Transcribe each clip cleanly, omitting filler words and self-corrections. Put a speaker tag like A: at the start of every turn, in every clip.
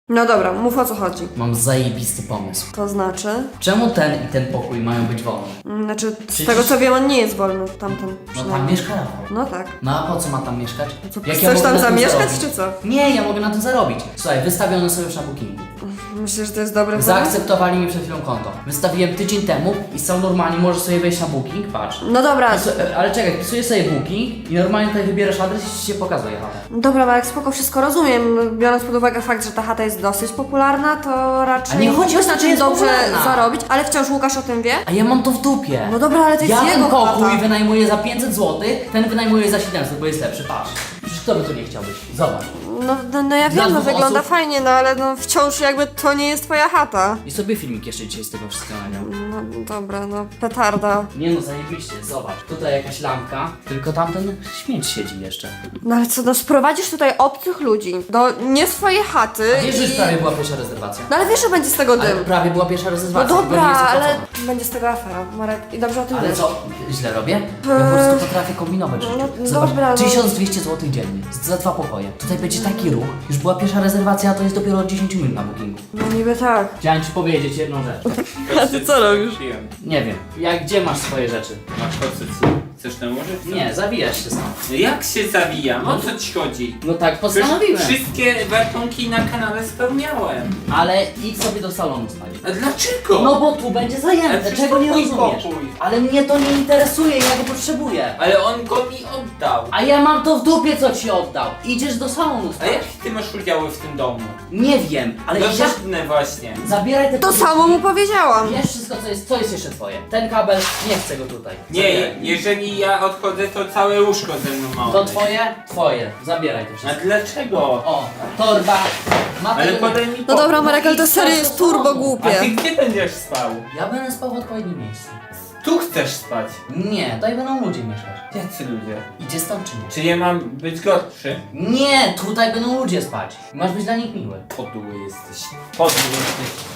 A: No dobra, mów o co chodzi.
B: Mam zajebisty pomysł.
A: To znaczy?
B: Czemu ten i ten pokój mają być wolne?
A: Znaczy, z
B: Przecież-
A: tego co wiem, on nie jest wolny, tamten
B: No tam
A: przynajmniej.
B: mieszka Rafał.
A: No tak.
B: No a po co ma tam mieszkać?
A: Co,
B: Jak
A: chcesz
B: mogę
A: tam
B: na tym
A: zamieszkać,
B: zarobić?
A: czy co?
B: Nie, ja mogę na tym zarobić. Słuchaj, wystawione są już na bookingu.
A: Myślisz, że to jest dobry pomysł?
B: Zaakceptowali mi przed chwilą konto. Wystawiłem tydzień temu i są normalnie, możesz sobie wejść na booking, patrz.
A: No dobra,
B: Ale czekaj, pisujesz sobie booking i normalnie tutaj wybierasz adres i ci się pokazuje chatę.
A: dobra, Marek, spoko, wszystko rozumiem. Biorąc pod uwagę fakt, że ta chata jest dosyć popularna, to raczej
B: A nie chodzi o to,
A: na
B: czy
A: tym
B: jest
A: dobrze
B: popularna.
A: zarobić, ale wciąż Łukasz o tym wie?
B: A ja mam to w dupie.
A: No dobra, ale to jest
B: Ja ten
A: jego
B: pokój
A: chata.
B: wynajmuję za 500 zł, ten wynajmuje za 700, bo jest lepszy, patrz. Przecież kto by tu nie chciał być? Zobacz.
A: No ja
B: Dla
A: wiem, no
B: dwóch
A: wygląda
B: osób?
A: fajnie, no ale no wciąż jakby to nie jest twoja chata.
B: I sobie filmik jeszcze dzisiaj z tego wszystkiego nagrał.
A: No dobra, no petarda.
B: Nie no, zajebiście, zobacz. Tutaj jakaś lampka, tylko tamten śmieć siedzi jeszcze.
A: No ale co, no sprowadzisz tutaj obcych ludzi do nie swojej chaty
B: A wiesz, że już
A: i...
B: prawie była pierwsza rezerwacja?
A: No ale wiesz, że będzie z tego
B: Ale
A: dym.
B: prawie była pierwsza
A: No
B: rezerwacja, tylko nie
A: dobra,
B: jest
A: ale
B: zapłacona.
A: będzie z tego afera, Marek, i dobrze o tym
B: Ale
A: wiesz.
B: co, źle robię? Ja po prostu potrafię kombinować rzeczy.
A: no
B: Zobacz,
A: dobra, no.
B: 1200 zł dziennie, za 2 pokoje. Tutaj będzie taki ruch, już była pierwsza rezerwacja, a to jest dopiero od 10 minut na bookingu.
A: No niby tak.
B: Chciałem ci powiedzieć jedną rzecz.
A: A ty co robisz?
B: Nie wiem, gdzie masz swoje rzeczy?
C: Masz pozycję. Chcesz nałożyć?
B: Nie, zawijasz się stąd.
C: No jak się zawijam? O co ci chodzi?
B: No tak,
C: Przecież
B: postanowiłem.
C: wszystkie warunki na kanale spełniałem.
B: Ale idź sobie do salonu stać.
C: A dlaczego?
B: No bo tu będzie
C: Ale
B: zajęte,
C: przecież
B: czego nie
C: to mój
B: rozumiesz?
C: pokój.
B: Ale mnie to nie interesuje, ja go potrzebuję.
C: Ale on go mi oddał.
B: A ja mam to w dupie, co ci oddał. Idziesz do salonu
C: A
B: stać.
C: jakie ty masz udziały w tym domu?
B: Nie wiem, ale
C: No
B: idziesz...
C: żadne właśnie.
B: Zabieraj te
A: To
B: podróżki.
A: samo mu powiedziałam.
B: Wiesz wszystko, co jest jeszcze twoje. Ten kabel, nie chcę go tutaj.
C: Nie,
B: Zabieraj.
C: jeżeli ja odchodzę, to całe łóżko ze mną ma
B: To
C: odejść.
B: twoje? Twoje. Zabieraj to
C: A
B: wszystko.
C: dlaczego?
B: O, torba. Ma
C: Ale
B: tego...
C: podaj mi
A: No
C: pokój.
A: dobra, Marek, ale to
B: i
A: serio
B: co
A: jest
B: to
A: turbo
B: samo?
C: A ty
A: głupie.
C: gdzie będziesz spał?
B: Ja będę spał w odpowiednim miejscu.
C: Tu chcesz spać.
B: Nie, tutaj będą ludzie mieszkać.
C: Jacy ludzie?
B: Idzie stąd czy nie?
C: Czy ja mam być gorszy?
B: Nie, tutaj będą ludzie spać. Masz być dla nich miły.
C: Podły jesteś. Podły jesteś.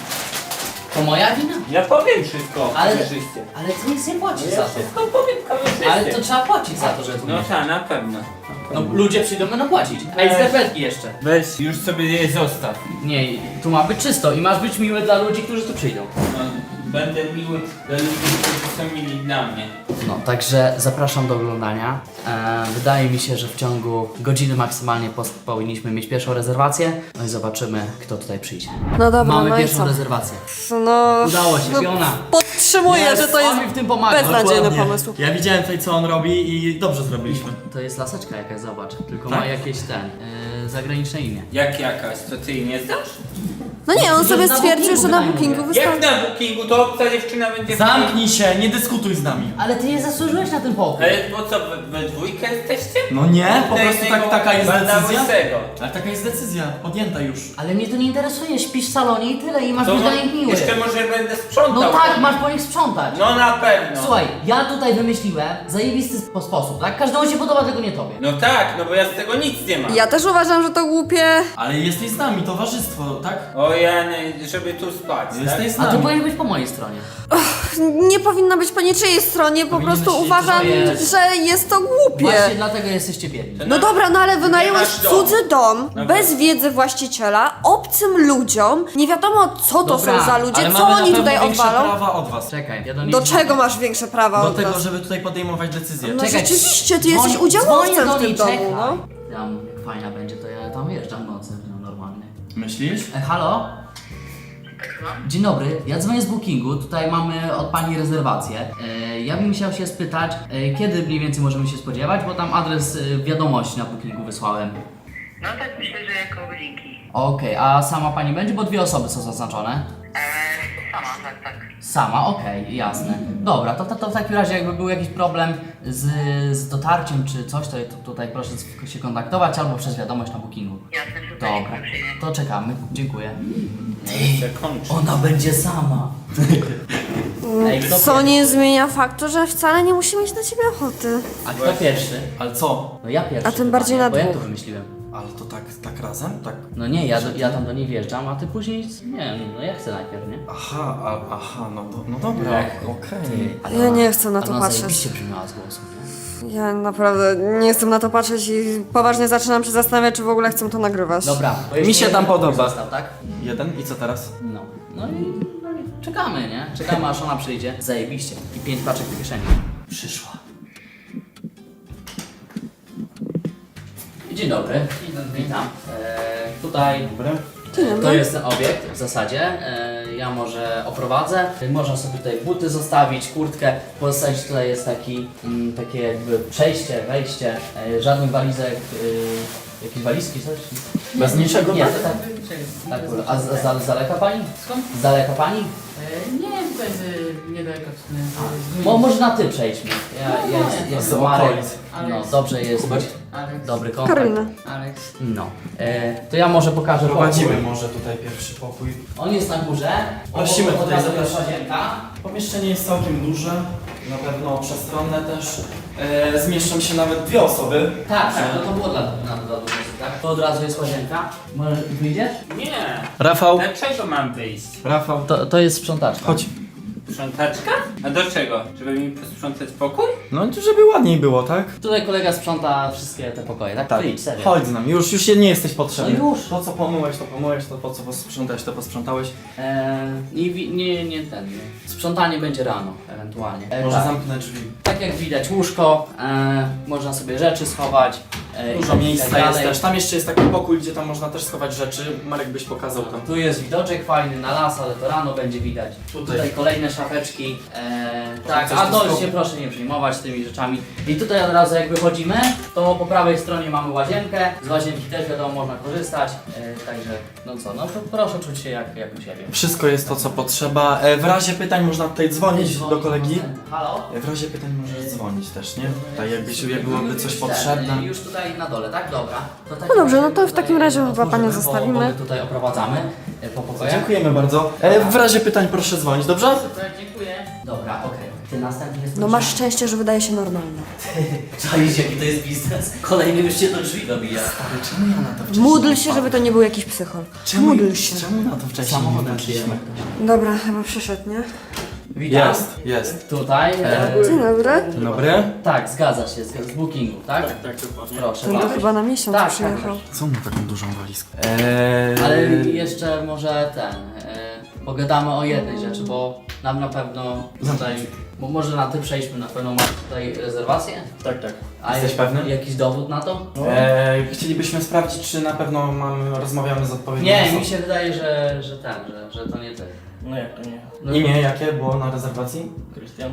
B: To moja wina?
C: Ja powiem wszystko
B: Ale-
C: kamerzyście.
B: Ale ty nic nie płacisz
C: Ja
B: za to.
C: wszystko powiem kamerzyście.
B: Ale to trzeba płacić za to, że tu
C: No
B: mieszkasz.
C: tak, na pewno.
B: No ludzie przyjdą, będą płacić. A i skarpetki jeszcze.
C: Weź, już sobie je zostaw.
B: Nie, tu ma być czysto i masz być miły dla ludzi, którzy tu przyjdą.
C: No, będę miły dla ludzi, którzy są mili dla mnie.
B: No, także zapraszam do oglądania. Wydaje mi się, że w ciągu godziny maksymalnie powinniśmy mieć pierwszą rezerwację. No i zobaczymy, kto tutaj przyjdzie.
A: No dobra,
B: Mamy
A: no i
B: pierwszą
A: co?
B: rezerwację.
A: No...
B: Udało się,
A: no,
B: Fiona.
A: Podtrzymuję, że to jest
B: on mi w tym pomaga.
A: beznadziejny
D: Dokładnie.
A: pomysł.
D: Ja widziałem tutaj co on robi i dobrze zrobiliśmy.
B: To jest laseczka jakaś, zobacz. Tylko
D: Tak?
B: ma jakieś zagraniczne imię.
C: Jak jakaś, to ty jej nie znasz?
A: No nie, on
B: Że
A: sobie
B: na
A: stwierdził,
B: bookingu
A: że na
B: wynajmuje.
A: bookingu
C: Jak
A: wystąpi.
C: na bookingu, to obca dziewczyna będzie...
D: Zamknij się, nie dyskutuj z nami.
B: Ale ty nie zasłużyłeś na ten pokój.
C: Ale bo co, we dwójkę jesteście?
D: No nie, po
C: Na
D: prostu
C: jednego
D: taka jest
C: banda
D: decyzja.
C: łysego.
D: Ale taka jest decyzja, podjęta już.
B: Ale mnie to nie interesuje, śpisz w salonie i tyle i masz
C: To
B: być dla nich miły.
C: jeszcze może będę sprzątał.
B: No tak, masz po nich sprzątać.
C: No na pewno.
B: Słuchaj, ja tutaj wymyśliłem zajebisty sposób, tak? Każdemu się podoba, tylko nie tobie.
C: No tak, no bo ja z tego nic nie mam.
A: Ja też uważam, że to głupie.
D: Ale jesteś z nami, towarzystwo, tak?
C: O Jany, żeby tu spać,
D: Jesteś
C: tak?
D: z
B: A ty
D: nami.
B: powinieneś być po mojej stronie.
A: Nie powinno być po niczyjej stronie, po
D: Powinno
A: prostu
D: się-
A: uważam,
B: to jest-
A: że jest to głupie.
B: Właśnie dlatego jesteście biedni.
A: No dobra, no ale wynająłeś
C: masz dom.
A: cudzy dom,
C: No
A: bez
C: tak.
A: wiedzy właściciela, obcym ludziom, nie wiadomo co to
B: Dobra,
A: są za ludzie,
D: Ale
A: co
D: mamy na
A: oni
D: pewno
A: tutaj
D: większe
A: odwalą.
D: prawa od was.
B: Czekaj, ja do niej
A: Do
B: dzwonię.
A: czego masz większe prawa
D: Do
A: od
D: tego,
A: nas?
D: żeby tutaj podejmować decyzje.
A: No
B: Czekaj.
A: rzeczywiście, ty jesteś
B: Dzwonię
A: udziałowcem
B: do
A: w tym
B: niej,
A: domu,
B: czekaj.
A: no.
B: Tam, jak fajna będzie, to ja tam wjeżdżam w nocy, no normalnie.
D: Myślisz?
B: Halo? Dzień dobry, ja dzwonię z bookingu, tutaj mamy od pani rezerwację. Ja bym chciał się spytać, kiedy mniej więcej możemy się spodziewać, bo tam adres wiadomości na bookingu wysłałem.
E: No tak myślę, że jako godzinki.
B: Okej, a sama pani będzie, bo 2 osoby są zaznaczone.
E: Sama, tak.
B: Sama, okej, jasne. Dobra, to w takim razie jakby był jakiś problem z dotarciem czy coś, to tutaj proszę się kontaktować albo przez wiadomość na bookingu.
E: Jasne, super,
B: Dobra,
E: przyjmie.
B: to czekamy, dziękuję.
C: Jeszcze kończę.
B: Ona będzie sama. Ej, kto
A: Co
B: pierwszy?
A: nie zmienia faktu, że wcale nie musi mieć na ciebie ochoty.
B: A kto pierwszy?
D: Ale co?
B: No ja pierwszy.
A: A tym bardziej
B: chyba,
A: na
B: bo ja
A: dwóch.
B: to wymyśliłem.
D: Ale to tak razem? Tak?
B: No nie, ja tam do niej wjeżdżam, a ty później, nie no ja chcę najpierw, nie?
D: Aha, no dobra,
B: Jak?
D: okej.
B: Ale
A: Ja
B: ona-
A: nie chcę na to
B: ona
A: patrzeć.
B: zajebiście brzmiała z głosu, nie?
A: Ja naprawdę nie jestem na to patrzeć i poważnie zaczynam się zastanawiać, czy w ogóle chcę to nagrywać.
B: Dobra. bo
D: Mi
B: jeszcze
D: się tam
B: jeden
D: podoba.
B: Został, tak?
D: Jeden i co teraz?
B: No i czekamy, nie? Czekamy aż ona przyjdzie. Zajebiście. I 5 paczek w kieszeni. Przyszła. Dzień dobry. Witam. Tutaj to jest ten obiekt w zasadzie. Ja może oprowadzę. Można sobie tutaj buty zostawić, kurtkę. Postawić tutaj jest takie jakby przejście, wejście. Żadnych walizek. Jakieś walizki, coś?
D: Bez niczego,
B: Nie,
D: tak?
B: tak. Tak, a z daleka pani?
F: Skąd?
B: Z daleka pani?
F: Nie, tutaj niedaleko.
B: Może na ty przejdźmy. Jest
D: Z
B: Marek.
D: okolic.
B: No dobrze jest.
F: Aleks.
B: Dobry kontakt.
A: Karolina.
F: Aleks.
B: No. To ja może pokażę
D: Prowadzimy
B: pokój.
D: może tutaj pierwszy pokój.
B: On jest na górze.
D: Prosimy
B: Od
D: tutaj
B: razu
D: zapraszać.
B: jest łazienka.
D: Pomieszczenie jest całkiem duże, na pewno przestronne też. Zmieszczą się nawet 2 osoby.
B: Tak, to było dla dużo osób, tak? To od razu jest łazienka. Może wyjdziesz?
C: Nie!
D: Rafał.
C: Dlaczego mam wyjść?
D: Rafał.
B: To jest sprzątaczka.
D: Chodź.
C: Sprzątaczka? A do czego? Żeby mi posprzątać pokój?
D: No żeby ładniej było, tak?
B: Tutaj kolega sprząta wszystkie te pokoje, tak?
D: Tak.
B: Wyjdź, serio.
D: Chodź z nami, już nie jesteś potrzebny.
B: No już.
D: To co pomyłeś, to po co posprzątałeś, to posprzątałeś.
B: Nie. Sprzątanie będzie rano, ewentualnie.
D: Może
B: Tak.
D: zamknę drzwi.
B: Tak jak widać łóżko, można sobie rzeczy schować.
D: Dużo
B: i tak
D: miejsca
B: dalej.
D: jest też. Tam jeszcze jest taki pokój, gdzie tam można też schować rzeczy. Marek byś pokazał tam.
B: Tu jest widoczek fajny na las, ale to rano będzie widać. Tutaj kolejne szafeczki. Tak,
D: coś
B: a
D: tu
B: to
D: schowa-
B: się proszę nie przejmować tymi rzeczami. I tutaj od razu jak wychodzimy, to po prawej stronie mamy łazienkę. Z łazienki też wiadomo można korzystać. Także no proszę czuć się jak u siebie.
D: Wszystko jest to, co potrzeba. W razie pytań można tutaj dzwonić do kolegi.
B: Halo?
D: W razie pytań możesz dzwonić też, nie? Tak jak byłoby coś potrzebne.
B: Już tutaj na dole, tak? Dobra. To tak
A: No dobrze, no to w
B: tutaj
A: takim razie chyba
B: otworzymy,
A: panią
B: bo
A: zostawimy.
B: my tutaj oprowadzamy po pokojach.
D: Dziękujemy bardzo. W razie pytań proszę dzwonić, dobrze?
B: Super, dziękuję. Dobra, okej. Ty następny jest.
A: No masz szczęście, że wydaje się normalne.
B: Czaisz jaki to jest biznes? Kolejny już cię do drzwi dobija.
D: Czemu ja na to wcześniej
A: Módl
D: nie
A: się,
D: wpadłem?
A: żeby to nie był jakiś psychol. Módl się.
D: Czemu na to wcześniej
B: Samochodem
D: nie
B: przyjemy.
D: wpadliśmy?
A: Dobra, chyba przyszedł, nie?
B: Witam.
D: Jest.
B: Tutaj.
A: Dzień dobry.
D: Dzień dobry.
B: Tak, zgadza się, z bookingu, tak?
C: Tak, dokładnie.
B: Proszę
A: Ten to
B: bardzo.
A: chyba na miesiąc
B: Tak,
A: przyjechał.
D: Co ma taką dużą walizkę?
B: Ale jeszcze może pogadamy o jednej rzeczy, bo nam na pewno tutaj, bo może na ty przejdźmy, na pewno masz tutaj rezerwację?
D: Tak, tak.
B: A
D: Jesteś pewny?
B: Jakiś dowód na to?
D: Chcielibyśmy sprawdzić, czy na pewno rozmawiamy z odpowiednią
B: Nie,
D: osobą.
B: mi się wydaje, że to nie ty.
C: No jak to nie?
B: No,
D: Imię jakie było na rezerwacji?
C: Krystian?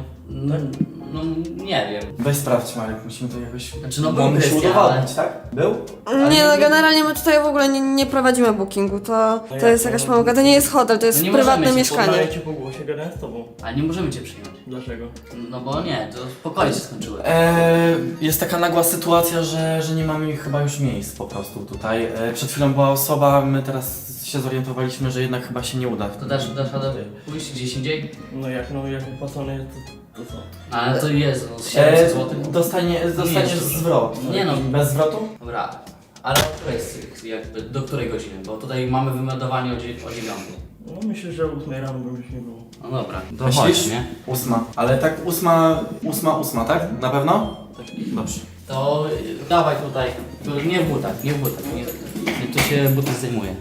B: No nie wiem.
D: Weź sprawdź, Marek, musimy to jakoś...
B: Znaczy, no
D: Bo
B: był
D: musi
B: Krystian,
D: udowodnić, tak? Był?
A: Nie no, generalnie my tutaj w ogóle nie prowadzimy bookingu, to jest jakaś pomyłka, to nie jest hotel, to jest
B: No nie możemy
A: prywatne
B: się
A: mieszkanie.
C: cię po głosie, gadałem z tobą.
B: A nie możemy cię przyjąć.
C: Dlaczego?
B: No bo nie, to pokoje się skończyły.
D: Jest taka nagła sytuacja, że nie mamy chyba już miejsc po prostu tutaj. Przed chwilą była osoba, my teraz się zorientowaliśmy, że jednak chyba się nie uda.
B: To dasz radę pójść gdzieś indziej?
C: No jak opłacone jest, to co?
B: Ale to jest, no, 700 zł.
D: Dostaniesz
B: jest.
D: zwrot.
B: Nie no.
D: Bez zwrotu?
B: Dobra, ale o której jakby, do której godziny? Bo tutaj mamy wymeldowanie o 9.
C: No myślę, że o 8 rano by już nie było.
B: No dobra, to
D: Myślisz?
B: chodź, nie?
D: 8. Ale tak 8, tak? Na pewno?
C: Tak.
D: Dobrze.
B: To dawaj tutaj, nie w butach, nie, to się buty zdejmuje.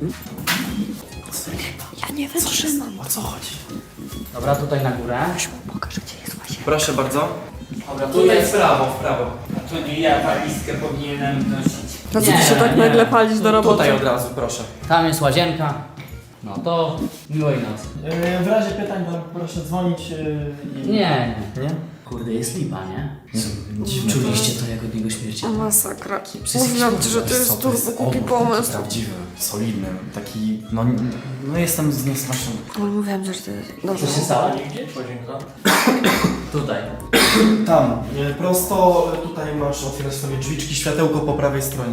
A: Ja nie wytrzymam.
D: O co chodzi?
B: Dobra, tutaj na górę.
A: Pokażę, gdzie jest łazienka.
D: Proszę bardzo.
B: Dobra,
D: Tutaj w prawo, w prawo.
C: A to nie ja walizkę powinienem nosić.
A: To co
B: Nie,
A: ty się tak
B: nie.
A: nagle palisz do roboty?
D: Tutaj od razu, proszę.
B: Tam jest łazienka. No to miłej nocy.
D: W razie pytań proszę dzwonić.
B: Nie.
D: Nie?
B: Kurde, jest lipa, nie? Czuliście to jak od niego śmierci?
A: O masakra. Mówiłam ci, że to jest turbo głupi pomysł.
D: Prawdziwy, solidny, taki, no jestem zniesmaczony.
A: Ale mówiłam, że to jest... Dobrze.
B: Co się stało?
C: Gdzie łazienka?
B: Tutaj.
D: Tam, prosto tutaj masz otwierać sobie drzwiczki, światełko po prawej stronie.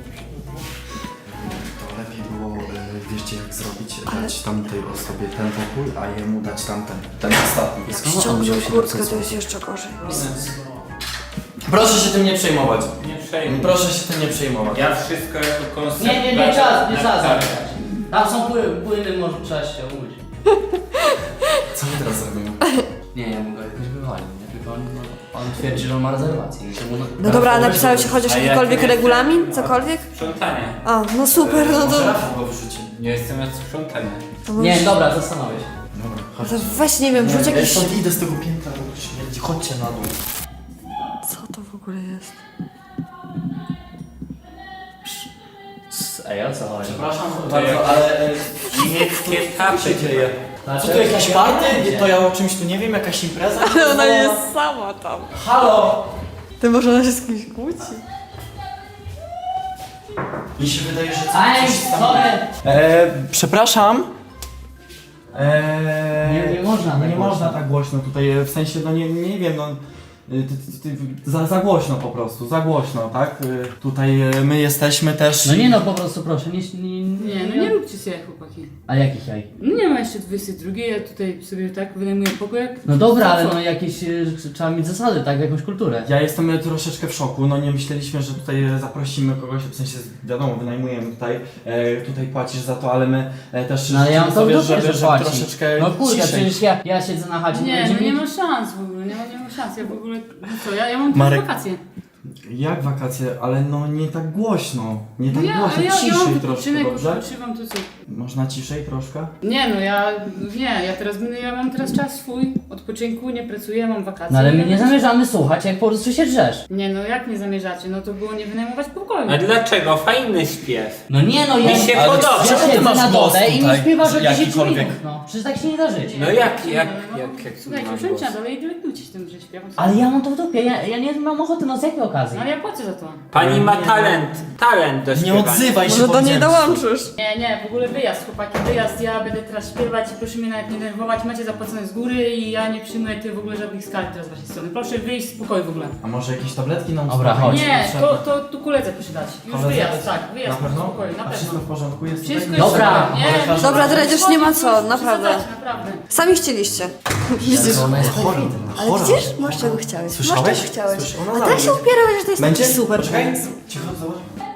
D: To lepiej było, wiecie jak zrobić, dać tamtej osobie ten pokój, a jemu dać tamten, ten ostatni.
A: Jak ściągnął kurtkę, to jest jeszcze gorzej.
D: Proszę się tym nie przejmować.
C: Nie przejmuj.
D: Proszę się tym nie przejmować.
C: Ja wszystko jako koncept...
B: Nie trzeba
C: tak.
B: zamykać. Tam są płyny, może trzeba się umyć.
D: Co my teraz robimy?
B: Nie, ja mogę jakoś wywalić, nie? Tylko on twierdzi, że on ma rezerwację. I że mu
A: No dobra, a napisałeś chociaż jakikolwiek regulamin? Cokolwiek?
C: Sprzątanie.
A: A, no super, no to...
D: Rafał go wyrzuci.
C: Nie jestem od sprzątania.
A: to
B: Nie,
A: możesz-
B: dobra, zastanowię się.
D: Dobra,
A: No
D: chodź.
A: to weź, nie wiem, wrzuć
D: Ja
A: jakiś...
D: stąd idę z tego piętra, bo śmierdzi. Chodźcie na dół.
A: Co to w ogóle jest?
B: Ej, o co chodzi?
D: Przepraszam
C: To
D: bardzo,
C: jak-
D: ale...
C: Niemieckie kapy.
D: dzieje? Co to jakiś party? To ja o czymś tu nie wiem, jakaś impreza?
A: Ale ona jest sama tam.
D: Halo!
A: Ty może ona się z kimś kłóci?
D: Mi się wydaje, że
B: Ej, sorry!
D: Przepraszam.
B: Nie można tak
D: nie
B: głośno.
D: można tak głośno tutaj, w sensie, no nie wiem, no za głośno po prostu, za głośno, tak? Tutaj my jesteśmy też...
B: No nie no, po prostu proszę, nie...
F: Nie, no nie róbcie sobie chłopaki.
B: A jakich jaj?
F: No nie ma jeszcze 22, ja tutaj sobie tak wynajmuję pokój jak...
B: No dobra,
F: Co?
B: ale no jakieś... trzeba mieć zasady, tak? Jakąś kulturę.
D: Ja jestem troszeczkę w szoku, no nie myśleliśmy, że tutaj zaprosimy kogoś, w sensie wiadomo, wynajmujemy tutaj, tutaj płacisz za to, ale my też
B: No ale ja mam to w
D: sobie,
B: dupie, że
D: żeby
B: płaci.
D: troszeczkę
B: No kurde,
D: ciszej.
B: przecież ja siedzę na chacie,
F: Nie,
B: będzie
F: no nie
B: mi-
F: ma szans w ogóle, nie ma szans, ja w ogóle... No co, ja mam
D: Marek.
F: tylko wakacje.
D: Jak wakacje, ale no nie tak głośno, nie tak
F: No
D: głośno,
F: ja
D: ciszej
F: mam
D: troszkę,
F: wypoczynek,
D: dobrze?
F: odpoczywam, to co?
D: Można ciszej troszkę?
F: Nie no, ja mam teraz czas swój, odpoczynku, nie pracuję, mam wakacje.
B: No ale my nie
F: Ja-
B: zamierzamy słuchać, jak po prostu się drzesz.
F: Nie no, jak nie zamierzacie? No to było nie wynajmować pokoju.
C: A dlaczego? Fajny śpiew.
B: No nie no, ja...
C: Mi się
B: ale
C: podoba.
B: Ja
D: Czemu ty
B: siedzę
D: masz
B: na
D: głos
B: dole i mi
D: tutaj?
B: śpiewasz o 10
D: Jakikolwiek?
B: minut, no. Przecież tak się nie da żyć.
C: No jak
F: Słuchajcie,
C: masz
F: usiądźcie na
C: głos?
F: dole i dylektujcie się tym, że śpiewam.
B: Ale ja mam to w dupie, ja nie mam ochoty, no z jakiej okazji?
F: No ale ja płacę za to.
C: Pani ma talent do
D: Nie
C: śpiewania.
D: odzywaj się,
A: Może do niej
D: powiedziałem.
A: dołączysz?
F: Nie, w ogóle wyjazd, chłopaki, wyjazd, ja będę teraz śpiewać i proszę mnie nawet nie denerwować, macie zapłacone z góry i ja nie przyjmuję w ogóle żadnych skarg teraz z waszej strony. Proszę wyjść z pokoju w ogóle.
D: A może jakieś tabletki nam
B: Dobra,
D: uspokoją?
B: chodź.
F: Nie,
D: Potrzebne?
F: to tu koledze proszę dać. Już
D: Koledze?
F: wyjazd, tak, wyjazd
D: Na pewno?
F: z pokoju, na
D: A wszystko
F: pewno.
D: w porządku jest?
F: Wszystko
D: tutaj?
F: jest
B: Dobra.
F: super, nie?
A: Dobra, dredziarz, nie ma co, naprawdę.
F: Naprawdę.
A: Sami chcieliście. Widzisz?
B: Ona jest
D: Chora,
B: perfidna.
A: Ale
D: chora.
A: widzisz? Masz czego chciałeś.
D: Słyszałeś?
A: Masz czego chciałeś.
D: Słysz- ona
A: A tak
D: zaraz
A: się upierałeś, że to jest
D: Będzie?
A: taki super.
D: Poczekaj. Cicho, zobacz.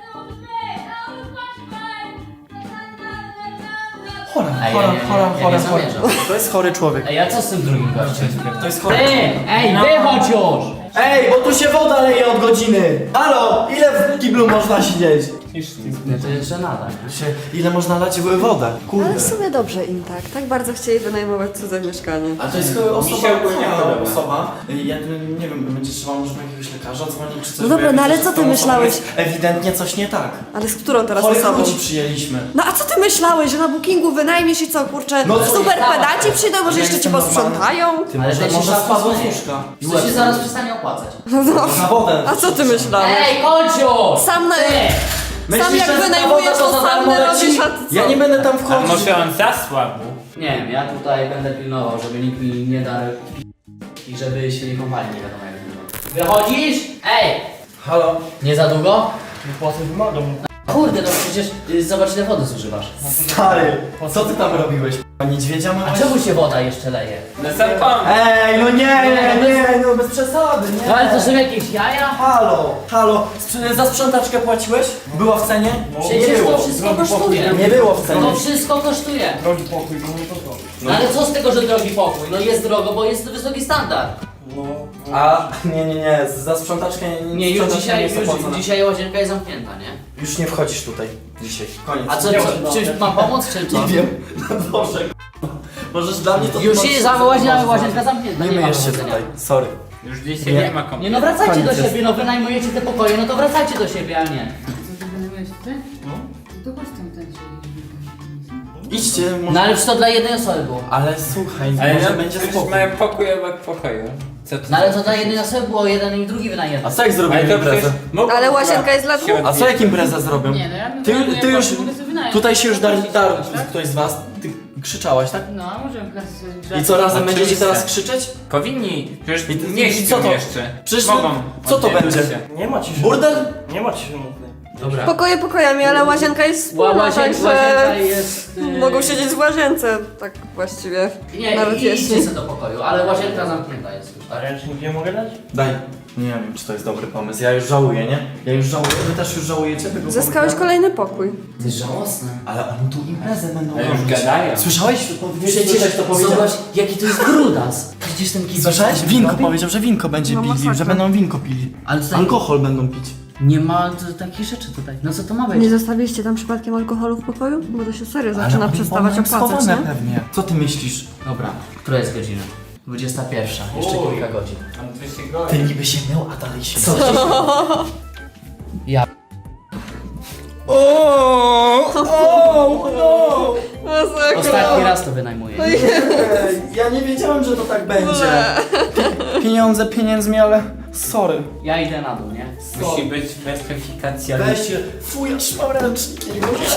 D: Chora,
B: Ej,
D: chora,
B: ja nie
D: chora.
B: zamierzam.
D: To jest chory człowiek.
B: Ej, a co z tym drugim gościem?
D: To jest chory
B: Ty!
D: człowiek.
B: Ej, wychodź już!
D: Ej, bo tu się woda leje od godziny! Halo, ile w kiblu można siedzieć?
B: Nie, to jeszcze nada.
D: Ile można lać wodę?
A: Ale
D: Kurde.
A: w sumie dobrze im tak bardzo chcieli wynajmować cudze mieszkanie.
D: A to jest osoba,
C: Mi się ogólnie
D: chora
C: podoba.
D: osoba. Ja nie wiem, będzie trzeba może jakiegoś lekarza dzwonić czy coś.
A: No dobra,
D: bo ja
A: no ale
D: widzę,
A: co
D: że
A: ty
D: z tą osobą
A: myślałeś?
D: jest Ewidentnie coś nie tak.
A: Ale z którą teraz
D: Chorych
A: osobą?
D: ludzi przyjęliśmy.
A: No a co ty myślałeś, że na bookingu wynajmiesz i co, kurczę,
D: No co
A: super
B: jest?
A: pedaci przyjdą, może
D: Ja
A: jeszcze ci
D: jestem
A: posprzątają?
D: Ty
B: Ale
D: może,
B: ty się
D: może
B: szafą
D: spadło z
B: zmyjesz.
D: łóżka.
B: To się zaraz przestanie opłacać.
A: No,
D: Na wodę.
A: a co ty myślałeś?
B: Ej, chodź już!
A: Sam na...
B: Ty!
A: Sam jak
D: że ta
A: wynajmujesz,
D: woda
A: to
D: za
A: sam
D: darmo
A: robisz,
D: leci?
A: a ty co?
D: Ja nie będę tam
C: A
D: wchodzić.
C: może on zasłabł?
B: Nie wiem, ja tutaj będę pilnował, żeby nikt mi nie darł i żeby się nie kąpali, nie wiadomo jak długo. Wychodzisz? Ej!
D: Halo?
B: Nie za długo?
D: Płacę wymagam.
B: Kurde, no przecież zobacz ile wody zużywasz.
D: Stary, co ty tam robiłeś? Niedźwiedzia
B: A
D: myłeś?
B: czemu się woda jeszcze leje?
C: No zapomnij.
D: Ej, no nie, no bez przesady, nie.
B: No ale to są jakieś jaja?
D: Halo, za sprzątaczkę płaciłeś? Była w cenie? Nie
B: Przecież
D: było.
B: to wszystko kosztuje.
D: Nie było w cenie.
B: To wszystko kosztuje.
D: Drogi pokój, to.
B: No ale co z tego, że drogi pokój? No jest drogo, bo jest wysoki standard.
D: A, nie, za sprzątaczkę
B: Nie, już
D: sprzątaczka
B: dzisiaj,
D: jest opłacona.
B: dzisiaj łazienka jest zamknięta, nie?
D: Już nie wchodzisz tutaj, dzisiaj, koniec.
B: A co, czymś mam pomóc, czy co?
D: Nie wiem, no dobrze, możesz dla mnie to...
B: Już się łazienka zamknięta,
D: Nie
B: ma
D: myjesz się
B: powodzenia.
D: tutaj, sorry.
C: Już dzisiaj
D: Nie.
C: nie ma
B: Nie
C: kompletnie.
B: no wracajcie do
D: Koniec jest.
B: siebie, no wynajmujecie te pokoje, no to wracajcie do siebie, a nie.
F: Co ty wynajmujesz tutaj? No. To chodź tam ten
D: Idźcie,
B: No
D: może...
B: ale przecież to dla jednej osoby było.
D: Ale słuchaj,
C: Ale
D: może
C: no,
D: będzie
C: przecież
D: spokój.
C: mają pokój obok pokoju. Co ty?
B: No ale to dla jednej osoby było, jeden i drugi
D: A
B: wynajęty.
D: co jak zrobimy
C: Ale to
D: imprezę?
C: przecież mogą
A: Ale
C: chyba
A: łazienka jest dla dwóch.
C: się
D: A co jak imprezę zrobią?
F: Nie, no ja bym
D: Ty
F: wynajmuję
D: już,
F: pokój, mogę sobie wynająć.
D: tutaj się już darł,
F: Tak?
D: ktoś z was, ty krzyczałaś, tak?
F: No, a możemy klasy sobie
D: I co, razem
C: Oczywiście.
D: będziecie teraz krzyczeć?
C: Powinni, przecież
D: I-
C: nie
D: i
C: śpią
D: co to?
C: jeszcze.
D: Przecież
C: Mogą.
D: co to
C: oddzielić
D: będzie?
C: się.
G: Nie ma ciszy.
D: Burdel?
G: Nie ma ciszy mocnej.
B: Dobra.
A: Pokoje pokojami, ale łazienka jest wspólna,
B: Łazienka
A: także
B: jest...
A: mogą siedzieć w łazience, tak właściwie.
B: Nie,
A: Nawet
B: idźcie
A: jeśli.
B: sobie do pokoju, ale łazienka zamknięta jest już,
G: A
B: tak?
G: ręcznik nie mogę dać?
D: Daj. Nie wiem, czy to jest dobry pomysł. Ja już żałuję, nie? Ja już żałuję. Wy też już żałujecie tego
A: Zyskałeś
D: pomysłu?
A: kolejny pokój.
B: To jest żałosne.
D: Ale oni tu imprezę będą
C: Ale już
D: robić.
C: gadają.
D: Słyszałeś?
B: Przecież
D: to powiedział.
B: zobacz, jaki to jest brudas. widzisz ten kibel?
D: Słyszałeś?
B: co
D: Winko
B: robi?
D: powiedział, że winko będzie
A: No,
D: pili,
A: masakra.
D: że będą winko pili.
B: Ale tutaj
D: Alkohol będą pić.
B: nie ma takich rzeczy tutaj. No co to ma być?
A: Nie zostawiliście tam przypadkiem alkoholu w pokoju? Bo to się serio zaczyna
D: Ale oni
A: przestawać
D: mają
A: opłacać,
D: schowane
A: nie?
D: pewnie. Co ty myślisz?
B: Dobra, która jest godzina? 21, jeszcze
C: Oj.
B: kilka godzin.
C: Mam 200 godzin.
D: Ty niby się mył, a dalej się
B: Co? Ja ostatni raz to wynajmuję.
D: Ja nie wiedziałem, że to tak będzie. Pieniądze pieniędzmi, ale sorry.
B: Ja idę na dół, nie?
C: Musi być weryfikacja.
D: Weź się, fuj, aż mam ręcznik.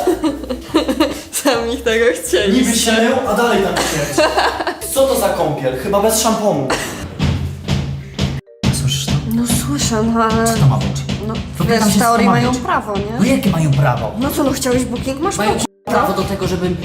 A: Sami tego chcieli.
D: Niby się mył, a dalej tam śmierć. Co to za kąpiel? Chyba bez szamponu.
B: Słyszysz to?
A: No słyszę, no ale...
B: Co to ma być?
A: No
B: Pytam
A: wiesz,
B: się,
A: w
B: co to
A: teorii
B: ma
A: mają
B: być.
A: prawo,
B: No
A: nie?
B: jakie mają prawo?
A: No co, no chciałeś booking? Masz
B: Mają
A: booking.
B: prawo do tego, żebym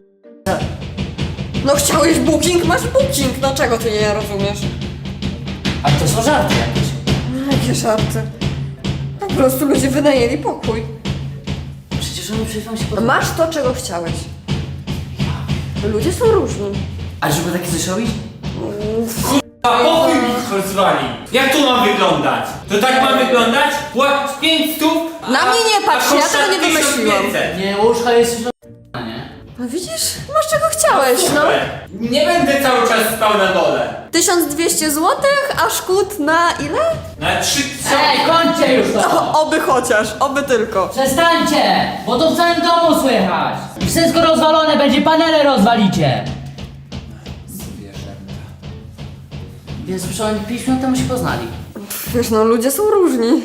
A: No chciałeś booking? Masz booking. No czego ty nie rozumiesz?
B: A to są żarty jakieś.
A: Jakie żarty. Po prostu ludzie wynajęli pokój.
B: Przecież oni przed chwilą się
A: No
B: podobają.
A: masz to, czego chciałeś. Ludzie są różni.
B: A żeby takie coś robić?
C: A pokój mi rozwali. Jak to ma wyglądać? To tak ma wyglądać? Płać 500?
A: Na mnie nie patrz, ja tego nie wymyśliłam.
B: Nie, łóżka jest już nie?
A: No widzisz? Masz czego chciałeś, no.
C: Nie będę cały czas spał na dole.
A: 1200 zł, a szkód na ile?
C: Na 3
B: Ej, kończcie już to!
A: Oby chociaż, oby tylko.
B: Przestańcie! Bo to w całym domu słychać! Wszystko rozwalone będzie, panele rozwalicie! Więc przecież oni 5 minut temu się poznali.
A: Wiesz, no ludzie są różni.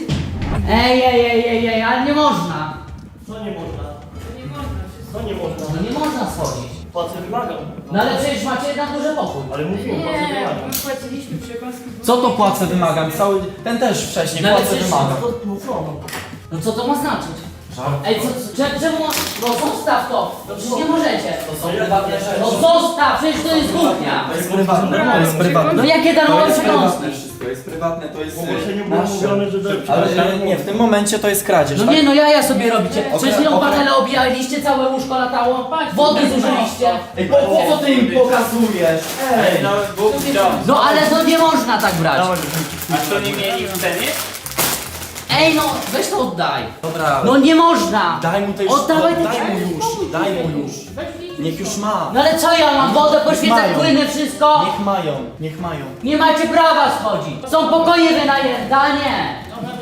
B: Ej, ale nie można!
G: Co nie można? Co nie można?
B: No nie można schodzić.
G: Płacę wymagam.
B: No ale przecież macie na górze pokój.
G: Ale mówiłem, płacę
F: Nie,
G: wymagam.
F: my płaciliśmy przekąski.
D: Co to płacę wymagam? Cały, ten też wcześniej
B: No ale
D: płacę
B: przecież-
D: wymagam.
B: No co to ma znaczyć? Ej, czemu? No zostaw to! No przecież nie możecie!
D: To są prywatne rzeczy.
B: No zostaw! Przecież to jest kuchnia!
D: To jest prywatne, to jest prywatne.
B: No jakie
D: To
B: darmowe
D: jest
B: przekąski?
D: prywatne wszystko, jest prywatne, to jest
G: W ogłoszeniu było
D: nasze.
G: mówione, że
D: Ale nie, w tym momencie to jest kradzież,
B: No
D: tak?
B: nie, no jaja sobie robicie. Przed chwilą
D: okej.
B: panele obijaliście, całe łóżko latało, wody zużyliście.
D: Ej, po co ty im pokazujesz?
C: Ej, no Bóg dom.
B: No ale to nie można tak brać.
C: A to nie mieli w cenie?
B: Ej no, weź to oddaj.
D: Dobra,
B: No nie można.
D: daj mu to już,
B: Oddawaj te
D: daj mu już, daj mu już. Niech już ma.
B: No ale co ja mam? Wodę poświecać,
D: Mają.
B: płyny, wszystko?
D: Niech mają, niech mają.
B: Nie macie prawa schodzić. Są pokoje wynajęte, a nie.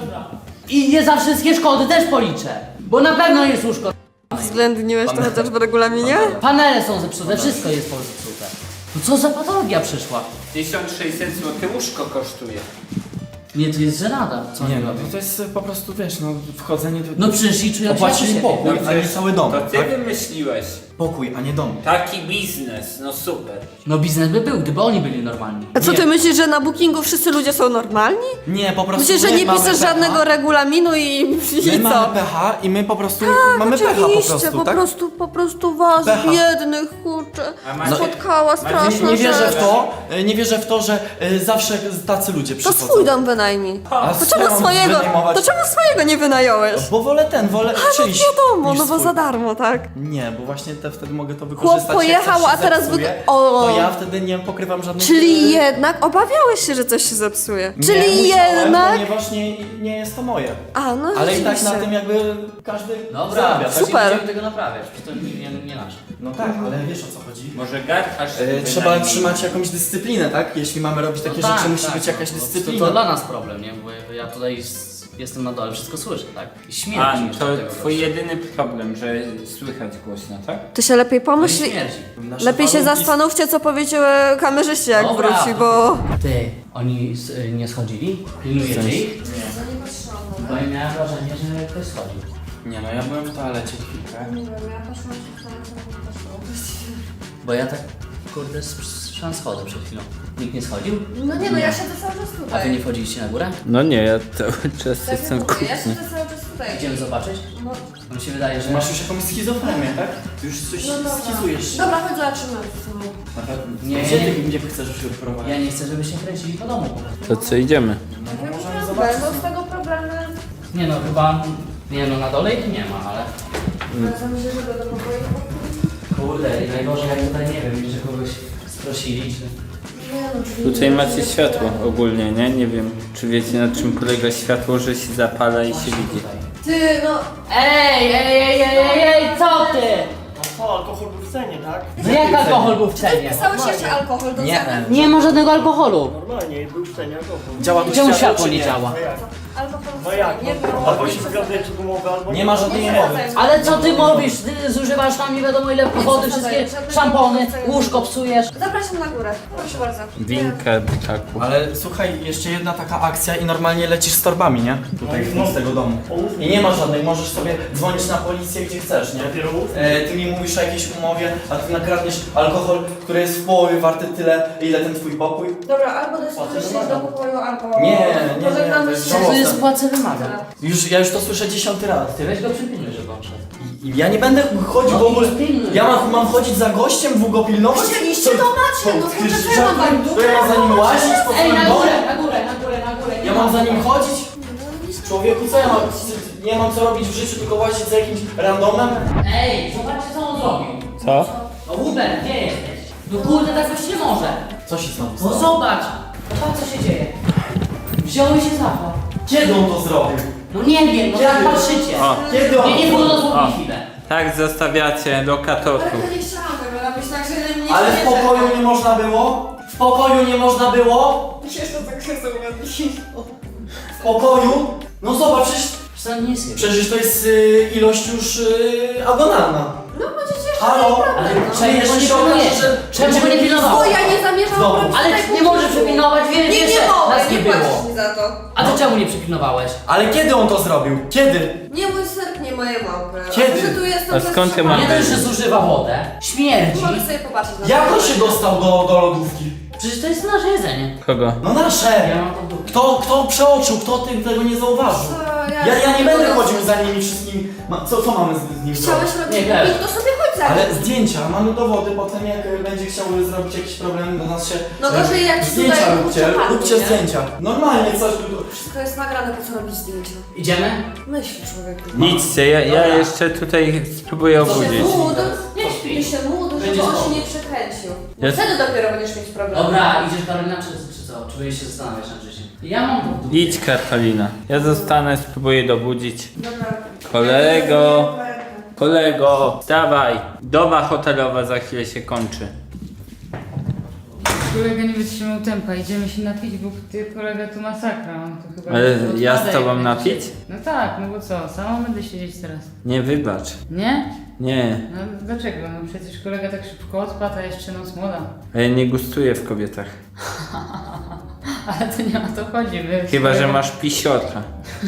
B: I nie za wszystkie szkody też policzę. Bo na pewno jest łóżko.
A: Uwzględniłeś to chociaż w regulaminie?
B: Panele są zepsute, wszystko jest zepsute. No co za patologia przyszła?
C: 1600 zł łóżko kosztuje.
B: Nie, to jest żenada. Co
D: Nie
B: oni
D: no,
B: robią?
D: to jest po prostu, wiesz, no wchodzenie do...
B: No przyszli, czują się
D: Opłacili
B: jak u siebie.
D: pokój, a nie cały dom,
C: To ty
D: tak?
C: wymyśliłeś.
D: Pokój, a nie dom.
C: Taki biznes, no super.
B: No biznes by był, gdyby oni byli normalni.
A: A co
D: Nie.
A: ty myślisz, że na bookingu wszyscy ludzie są normalni?
D: Nie, po prostu
A: Myślisz, że
D: my
A: nie
D: mamy
A: piszesz
D: pecha.
A: żadnego regulaminu i
D: My
A: co?
D: mamy pecha i my po prostu mamy pecha po
A: Oczywiście,
D: prostu, tak?
A: po prostu was,
D: Pecha.
A: biednych, kurczę,
C: A macie-
A: spotkała straszna
D: Nie wierzę w
A: rzecz.
D: to, nie wierzę w to, że zawsze tacy ludzie
A: To
D: przychodzą.
A: swój dom wynajmij.
D: A
A: To
D: co ja
A: czemu
D: mam
A: swojego,
D: wynajmować?
A: to czemu swojego nie wynająłeś?
D: Bo wolę wolę czyjś
A: Wiadomo,
D: niż
A: no bo
D: swój.
A: za darmo, tak?
D: Nie, bo właśnie wtedy mogę to wykorzystać.
A: Chłop pojechał,
D: jak coś
A: a
D: się
A: teraz
D: zepsuje,
A: O.
D: to ja wtedy nie pokrywam żadnych...
A: Czyli jednak obawiałeś się, że coś się zepsuje.
D: Nie
A: Czyli
D: musiałem,
A: jednak...
D: ponieważ nie jest to moje.
A: A, no
D: Ale i tak na
A: rzeczywiście.
D: tym jakby każdy
B: Dobra,
D: zarabia, tak?
A: super.
B: nie będziemy tego naprawiać, przecież to nie nasze.
D: No tak, ale wiesz o co chodzi.
C: Może garcharz
D: Trzeba
C: wynajmij.
D: trzymać jakąś dyscyplinę, tak? Jeśli mamy robić takie
B: No
D: rzeczy, musi
B: tak,
D: być jakaś
B: no,
D: dyscyplina.
B: To dla nas problem, nie? Bo ja tutaj jestem na dole, wszystko słyszę, tak? I
C: A,
B: śmierdzi jeszcze
C: to
B: od tego
C: twój
B: gościa.
C: jedyny problem, że słychać głośno, tak?
A: Ty się lepiej
B: No i
A: pomyśl.
B: śmierdzi.
D: Nasze
A: Lepiej się
D: warunki-
A: zastanówcie, co powiecie kamerzyście, jak
B: Dobra.
A: wróci, bo...
B: Ty, oni nie schodzili? Pilnujecie ich? Bo ja miałem wrażenie, że ktoś schodził.
D: Nie no, ja byłem w toalecie chwilkę.
B: Bo ja tak, kurde, słyszałem schody przed chwilą. Nikt nie schodził?
A: No nie, no ja siedzę cały czas
B: A wy
A: tutaj.
B: nie wchodziliście na górę?
C: No nie, ja cały czas
A: Tak jak mówię, ja siedzę cały czas tutaj.
B: Idziemy zobaczyć?
A: No,
B: Mi się wydaje, że...
D: Masz już jakąś schizofrenię, tak? Ty już coś
A: no dobra.
D: schizujesz.
A: Dobra, chodź zobaczymy.
B: Nie,
D: Gdzie chcesz już odprowadzić?
B: ja nie chcę, żebyście kręcili po domu po prostu.
C: To co, idziemy?
A: Będą z tego problemy.
B: Nie no, chyba... Nie no, na dole ich nie ma, ale...
A: Zamierzę, że do pokoju.
B: Kurde, i najgorzej jak tutaj, nie wiem, że kogoś sprosili, czy...
C: Tutaj macie światło ogólnie, nie? Nie wiem, czy wiecie na czym polega światło, że się zapala i się widzi.
A: Ty, no...
F: Ej, co ty?
G: A co, alkohol był w cenie, tak?
F: No jak alkohol był w cenie?
A: Wpisałeś jeszcze alkohol do ceny?
F: Nie ma żadnego alkoholu.
G: Normalnie, był w cenie alkohol.
D: Działa tu
F: Czemu
D: światło,
F: światło
D: czy
F: nie działa?
G: No jak?
A: Alkohol
G: No jak?
A: nie było.
G: Albo się zgaduje, czy gumowy, albo
D: Nie ma żadnej umowy.
F: Ale co ty mówisz? Ty zużywasz tam nie wiadomo ile wody, wszystkie szampony, łóżko psujesz.
A: Zapraszam na górę. Proszę bardzo.
C: Winka, taku.
D: Ale słuchaj, jeszcze jedna taka akcja i normalnie lecisz z torbami, nie? Tutaj z tego domu. I nie ma żadnej, możesz sobie dzwonić na policję gdzie chcesz, nie?
G: Dopiero mów.
D: Ty mi mówisz o jakiejś umowie, a ty nakradniesz alkohol, który jest w połowie warty tyle, ile ten twój pokój.
A: Dobra, albo dostajesz się do pokoju, albo...
D: Nie,
A: Pożegnamy
D: to jest
A: się.
D: żałosne.
F: To jest płacę wymaga.
D: Ja już to słyszę 10 raz.
F: Ty weź go przypilnuj, żeby on szedł.
D: I ja nie będę chodził w ogóle. Ja mam chodzić za gościem, długo pilnować?
A: Oczywiście, to macie, no kurczę, co ja mam wam
D: To ja mam za nim łazić po
F: Ej,
D: swoim
F: na
D: domu?
F: górę, na górę, na górę, na górę.
D: Ja mam za nim chodzić? Człowieku, co ja mam? Nie mam co robić w życiu, tylko łazić za jakimś randomem?
F: Ej, zobaczcie co on zrobił.
C: Co?
F: No Hubert, gdzie jesteś? No kurde, tak być nie może.
D: Co się stało?
F: No zobacz. Zobacz co się dzieje. Wziąłeś się zapał.
D: Kiedy on to zrobił?
F: No nie wiem, no tak patrzycie.
C: O.
D: Kiedy on
F: Nie, nie
D: to
F: było
D: zrobił?
F: dosłownie chwilę.
C: Tak zostawiacie lokatorów.
A: Ale nie chciałam tego robić, także nie
D: Ale w pokoju nie można było? W pokoju nie można było?
A: Jeszcze tak się
D: W pokoju? No zobacz,
F: Przecież nie jest
D: przecież to jest ilość już agonalna.
A: No będziecie jeszcze
D: Halo?
A: mieli problem, no.
F: Czemu
D: jeszcze
F: go nie
D: się okaże,
F: pilnujesz?
D: że-
F: Czemu go nie
A: Bo
F: pilnowałeś?
A: ja nie zamierzam
D: Znowu.
A: robić
F: Ale
A: tego
F: nie możesz
A: punktu.
F: przypilnować, wiesz,
A: Nie,
F: że
A: nie mogę,
F: nas nie
A: nie
F: było.
A: płacisz mi za to.
F: A to czemu nie przypilnowałeś?
D: Ale kiedy on to zrobił? Kiedy?
A: Nie mój serp, nie moje małpy.
D: Kiedy?
A: A że tu jestem
C: A skąd ty
A: zatrzymana.
C: masz?
F: Nie dość, że zużywa wodę, śmierdzi.
A: Mogę sobie popatrzeć na
D: Jak
A: to.
D: on się dostał do lodówki?
F: Przecież to jest nasze jedzenie.
C: Kogo?
D: No nasze!
F: Ja mam to w dupie.
D: Kto przeoczył, kto tego nie zauważył?
A: Co,
D: Ja nie będę chodził za nimi wszystkimi. Co mamy z nim
A: Chciałeś
D: zrobić?
A: robić
F: Nie, wiesz.
A: booking, to sobie chodź za nim.
D: Ale zdjęcia, mamy dowody, potem jak będzie chciał zrobić jakiś problem do nas się...
A: No gorzej jak ci
D: zdjęcia
A: tutaj
D: róbcie,
A: kurczę
D: róbcie
A: padnie, nie?
D: zdjęcia. Normalnie coś...
A: Wszystko jest nagrane, po co robić zdjęcia?
F: Idziemy?
A: Myśl, człowieku.
C: Idźcie, ja jeszcze tutaj spróbuję obudzić.
A: Mód,
F: Nie śpi.
A: ty się mód, żeby
F: Będzie
A: on
F: spoko.
A: się nie przekręcił.
C: Ja-
A: Wtedy dopiero będziesz mieć problem.
F: Dobra, idziesz Karolina czy co? Czy będziesz się zastanawiać nad życiem? Ja mam to w dupie.
C: Idź Karolina. Ja zostanę, spróbuję dobudzić.
A: Dobra.
C: Kolego, kolego, dawaj. Doba hotelowa za chwilę się kończy.
F: Kolega nie wytrzymał tempa, idziemy się napić, bo ty kolega tu masakra, on to chyba...
C: Ale
F: odpada
C: ja z
F: jak
C: tobą
F: będzie
C: napić?
F: się- No tak, no bo co, sama będę siedzieć teraz.
C: Nie wybacz.
F: Nie?
C: Nie,
F: No dlaczego? No przecież kolega tak szybko odpadł, a jeszcze noc młoda.
C: a ja nie gustuję w kobietach.
F: Ale to nie o to chodzi, my... z
C: Chyba, że
F: kolegą-
C: masz pisiorka.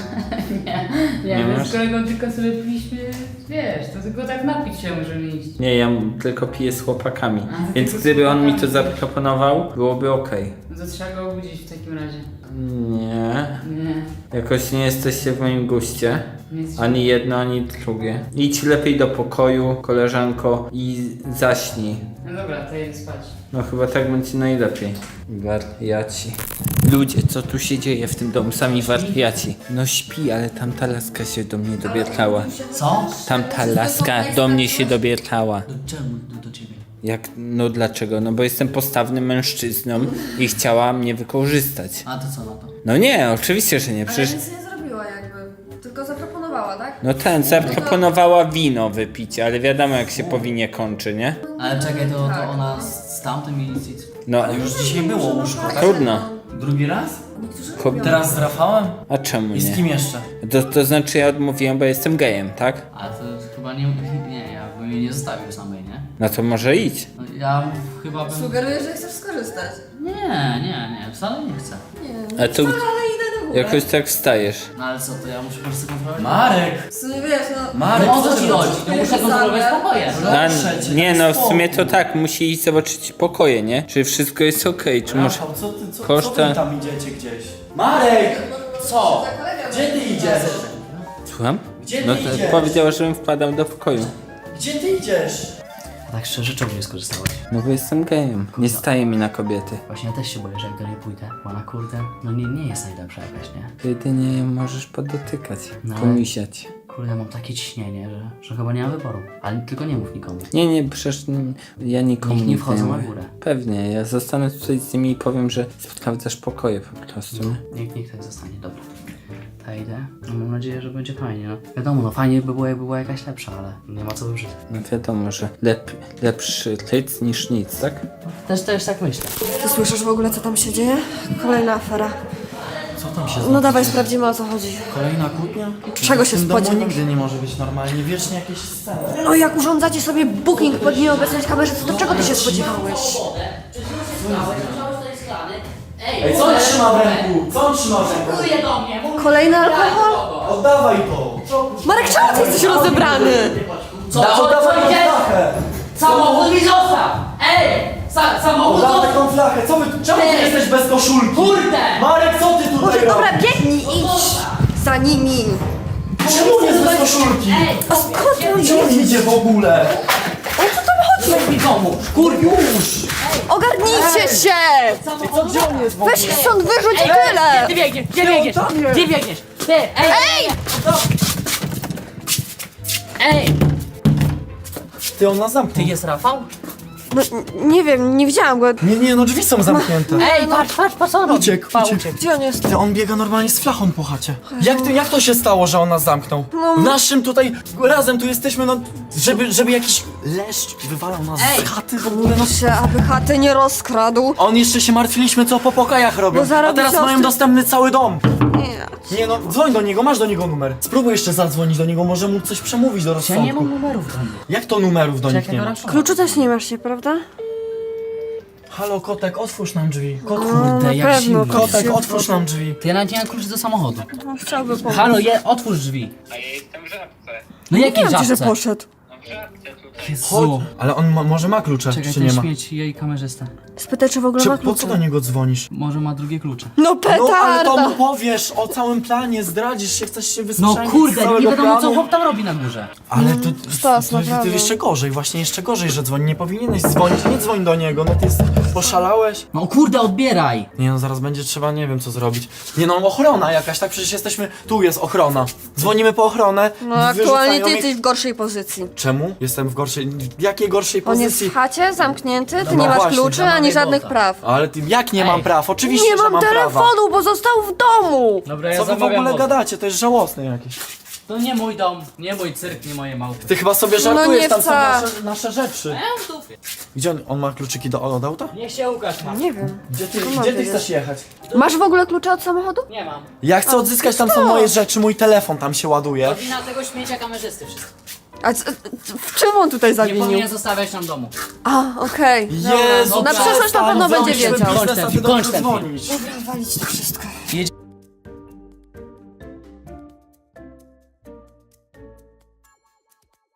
F: Nie,
C: Nie
F: my
C: masz?
F: z kolegą tylko sobie piliśmy, wiesz, to tylko tak napić się możemy iść.
C: Nie, ja tylko piję z chłopakami.
F: A,
C: Więc
F: tylko z
C: gdyby on mi to
F: chłopakami.
C: zaproponował, byłoby okej.
F: No to trzeba go obudzić w takim razie.
C: Nie.
F: Nie,
C: Jakoś nie jesteście w moim guście.
F: nie jest...
C: Ani jedno, ani drugie. Idź lepiej do pokoju, koleżanko, i zaśnij.
F: No dobra, to jedę spać.
C: No chyba tak będzie najlepiej. Wariaci. Ludzie, co tu się dzieje w tym domu? Sami wariaci. No śpi, ale tamta laska się do mnie dobierała.
B: Co?
C: Tamta laska do mnie się dobierała.
B: Czemu do ciebie?
C: Jak, no dlaczego? No bo jestem postawnym mężczyzną i chciała mnie wykorzystać.
B: A to co na to?
C: No nie, oczywiście, że nie.
A: Ale
C: Przecież,
A: nic nie zrobiła jakby, tylko zaproponowała, tak?
C: no ten, zaproponowała wino wypić, ale wiadomo jak się po winie kończy, nie?
B: Ale czekaj, to ona z tamtym i...
C: No,
B: Ale już dzisiaj było łóżko, tak?
C: trudno.
B: Drugi raz?
A: Niektórzy
C: Ko-
A: lubią.
B: Teraz z Rafałem?
C: A czemu
B: I z kim
C: nie?
B: jeszcze?
C: To znaczy ja odmówiłem, bo jestem gejem, tak?
B: A to chyba nie, ja bym jej nie zostawił samej, nie?
C: No to może idź.
B: No, ja chyba bym...
A: Sugeruję, że chcesz skorzystać.
B: Nie, wcale nie chcę.
A: Nie,
C: A to
A: wcale, ale idę do góry.
C: jakoś tak wstajesz.
B: No ale co, to ja muszę po prostu kontrolować?
D: Marek!
A: W sumie wiesz, no...
D: Marek,
F: No o co
D: co
F: ci
D: ty
F: chodzi? To muszę kontrolować pokoje.
C: A,
D: Proszę cię,
C: nie
D: daj
C: no, w sumie
D: spokój.
C: to tak, musi iść zobaczyć pokoje, nie? Czy wszystko jest okej, czy może...
D: Rafał, co
C: koszta-
D: wy tam idziecie gdzieś? Marek! Co?
A: Za kolegę
D: Gdzie ty idziesz?
C: Słucham?
D: Gdzie ty
C: No to
D: idziesz?
C: powiedziała, żebym wpadał do pokoju.
D: Gdzie ty idziesz?
B: Tak szczerze, czemu nie skorzystałeś?
C: No bo jestem gejem. Nie staje mi na kobiety.
B: Właśnie ja też się boję, że jak do niej pójdę, bo ona kurde, no nie jest najlepsza jakaś, nie?
C: Jedynie możesz podotykać,
B: No.
C: pomisiać.
B: Kurde, mam takie ciśnienie, że chyba nie mam wyboru. Ale tylko nie mów nikomu.
C: Nie, przecież ja nikomu
B: Niech nie
C: nic
B: wchodzą na
C: mówię.
B: górę.
C: Pewnie, ja zostanę tutaj z nimi i powiem, że spotkamy też pokoje po prostu, nie?
B: Niech tak zostanie, dobra. Ta idę. No, mam nadzieję, że będzie fajnie, no. Wiadomo, no fajnie by było, jakby była jakaś lepsza, ale nie ma co wyrzucać.
C: No wiadomo, że lepszy ryc niż nic, tak?
B: Też tak myślę.
A: Ty słyszysz w ogóle, co tam się dzieje? Kolejna afera.
D: Co tam się
A: No dawaj, sprawdzimy, o co chodzi.
D: Kolejna kłótnia?
A: Czego się
D: W tym domu
A: spodziewasz?
D: nigdy nie może być normalnie, wiecznie jakieś sceny.
A: No jak urządzacie sobie booking pod nieobecność kamerzysty, to czego ty się spodziewałeś?
D: Ej, co on trzyma w ręku? Co on trzyma w ręku?
F: Mówię do mnie, mówię.
A: Kolejny alkohol?
D: Oddawaj to!
A: Marek, czemu ty jesteś rozebrany?
D: Oddawaj tą flachę!
F: Samochód mi zostaw! Ej! Samochód
D: Oddawaj
F: zostaw!
D: tą flachę! Czemu ty
F: Ej!
D: jesteś bez koszulki?
F: Kurde!
D: Marek, co ty tutaj
A: Dobra,
D: robisz?
A: biegnij, idź za nimi.
D: Czemu on jest bez koszulki?
A: A skąd on
D: Gdzie on
A: jest?
D: idzie w ogóle?
F: Weź mi pomóż!
D: Już!
A: Ogarnijcie się!
D: Gdzie on jest w ogóle?
A: Weź ich stąd wyrzuć i
F: Gdzie
A: tyle!
F: ty biegniesz? Gdzie biegniesz?
D: tam jest.
F: Gdzie biegniesz? Ty! Ej! Ej!
D: Ty, on nas zamknął.
F: Ty jest Rafał?
A: No, nie wiem, nie widziałam go.
D: Nie, no drzwi są zamknięte.
F: Ej, patrz, co on robi?
D: Uciekł.
A: Gdzie on jest?
D: Ty, on biega normalnie z flachą po chacie. Jak to się stało, że on nas zamknął? W naszym tutaj, razem tu jesteśmy, no, żeby jakiś leszcz wywalał nas
F: Ej.
D: z chaty w ogóle, no.
A: Się, aby chaty nie rozkradł.
D: A on jeszcze się martwiliśmy, co po pokajach robią,
A: Bo zarobi
D: a teraz
A: siostry.
D: mają dostępny cały dom.
A: Nie.
D: Nie no, dzwoń do niego, masz do niego numer. Spróbuj jeszcze zadzwonić do niego, może mu coś przemówić do
B: Ja
D: rozsądku.
B: nie mam numerów do nich.
D: Jak to numerów do nich nie ma?
A: Kluczu też nie masz się, prawda?
D: Halo, kotek, otwórz nam drzwi.
B: Kurde,
A: na
B: jak
A: pewno,
B: zimno.
D: Kotek, otwórz nam drzwi.
B: To ja nawet nie mam kluczy do samochodu.
A: No, chciałby pomóc.
B: Halo, otwórz drzwi.
E: A ja jestem w żabce.
B: No jakiej
A: Wiem ci, że
B: żabce?
A: poszedł.
E: No w żabce tutaj.
B: Jezu.
D: Ale on może ma klucze,
B: Czekaj,
D: czy
B: ten
D: nie ma?
B: śmieć jej kamerzysta.
A: Spytaj, czy w ogóle ma
D: Po co
A: klucze.
D: do niego dzwonisz?
B: Może ma drugie klucze.
A: No
D: No ale to
A: petarda!
D: mu powiesz o całym planie, zdradzisz się, chcesz się
B: No
D: wystrzelić z
B: kurde,
D: całego
B: nie wiadomo co
D: planu.
B: chłop tam robi na górze.
D: Ale to
A: Stos, naprawdę.
D: jeszcze gorzej, właśnie jeszcze gorzej, że dzwoni. Nie powinieneś dzwonić, nie dzwoń do niego, no ty poszalałeś.
B: No kurde, odbieraj!
D: Nie no, zaraz będzie trzeba, nie wiem co zrobić. Nie no, ochrona jakaś, tak? Przecież jesteśmy, tu jest ochrona. Dzwonimy po ochronę.
A: No aktualnie ty
D: wyrzucają
A: jesteś w gorszej pozycji.
D: Czemu? Jestem w gorszej, w jakiej gorszej
A: On jest
D: pozycji?
A: w chacie, zamknięty, ty
D: No
A: nie masz
D: właśnie,
A: kluczy,
B: zamawiaj
A: ani żadnych
B: Bolta.
A: praw.
D: Ale ty, jak nie mam
B: Ej.
D: praw? Oczywiście,
A: Nie
D: że
A: mam
D: mam prawa.
A: telefonu, bo został w domu!
B: Dobra,
D: Co wy w ogóle gadacie? To jest żałosne jakieś.
B: To nie mój dom, nie mój cyrk, nie moje małpy.
D: Ty chyba sobie
A: No
D: żartujesz,
A: nie
D: tam są
A: wcale.
D: nasze rzeczy. Gdzie on ma kluczyki od auta?
F: Niech się Łukasz ma.
A: Nie wiem.
D: Gdzie ty chcesz jechać?
A: Masz w ogóle klucze od samochodu?
F: Nie mam.
D: Ja chcę odzyskać, tam są moje rzeczy, mój telefon tam się ładuje.
F: Wina tego śmiecia kamerzysty wszystko.
A: A w czym on tutaj
F: Nie
A: zawinił?
F: powinien zostawiać nam domu.
A: A, okej.
D: Jezu,
A: Na przyszłość na pewno będzie wiedział.
B: Kończ ten film, kończ ten film.
A: Walić to wszystko.